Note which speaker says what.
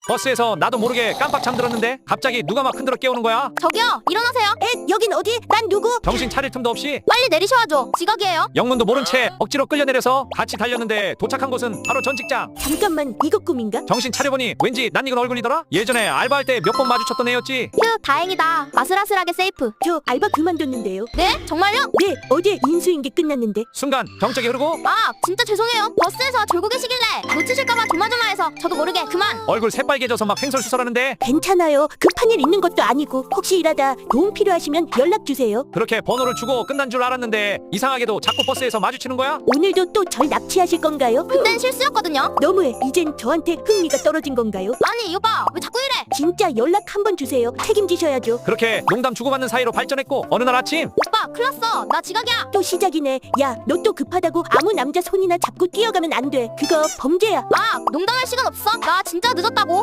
Speaker 1: 버스에서 나도 모르게 깜빡 잠들었는데 갑자기 누가 막 흔들어 깨우는 거야.
Speaker 2: 저기요, 일어나세요.
Speaker 3: 여긴 어디? 난 누구?
Speaker 1: 정신 차릴 틈도 없이
Speaker 2: 빨리 내리셔야죠. 지각이에요.
Speaker 1: 영문도 모른 채 억지로 끌려내려서 같이 달렸는데 도착한 곳은 바로 전 직장.
Speaker 3: 잠깐만, 이거 꿈인가?
Speaker 1: 정신 차려보니 왠지 낯익은 얼굴이더라. 예전에 알바할 때 몇 번 마주쳤던 애였지.
Speaker 2: 휴, 다행이다. 아슬아슬하게 세이프.
Speaker 3: 저 알바 그만뒀는데요.
Speaker 2: 네? 정말요?
Speaker 3: 네, 어제 인수인계 끝났는데.
Speaker 1: 순간 경적이 흐르고
Speaker 2: 아, 진짜 죄송해요. 버스에서 졸고 계시길래 놓치실까봐 조마조마해서 저도 모르게 그만.
Speaker 1: 얼굴 새빨개져서 막 횡설수설하는데
Speaker 3: 괜찮아요. 급한 일 있는 것도 아니고 혹시 일하다 도움 필요하시면 연락 주세요.
Speaker 1: 그렇게 번호를 주고 끝난 줄 알았는데 이상하게도 자꾸 버스에서 마주치는 거야.
Speaker 3: 오늘도 또 절 납치하실 건가요?
Speaker 2: 그땐 실수였거든요.
Speaker 3: 너무해. 이젠 저한테 흥미가 떨어진 건가요?
Speaker 2: 아니, 이 오빠 왜 자꾸 이래?
Speaker 3: 진짜 연락 한번 주세요. 책임지셔야죠.
Speaker 1: 그렇게 농담 주고받는 사이로 발전했고 어느 날 아침
Speaker 2: 오빠, 큰일 났어. 나 지각이야.
Speaker 3: 또 시작이네. 야, 너 또 급하다고 아무 남자 손이나 잡고 뛰어가면 안 돼. 그거 범죄야.
Speaker 2: 아, 농담할 시간 없어. 나 진짜 늦었다고.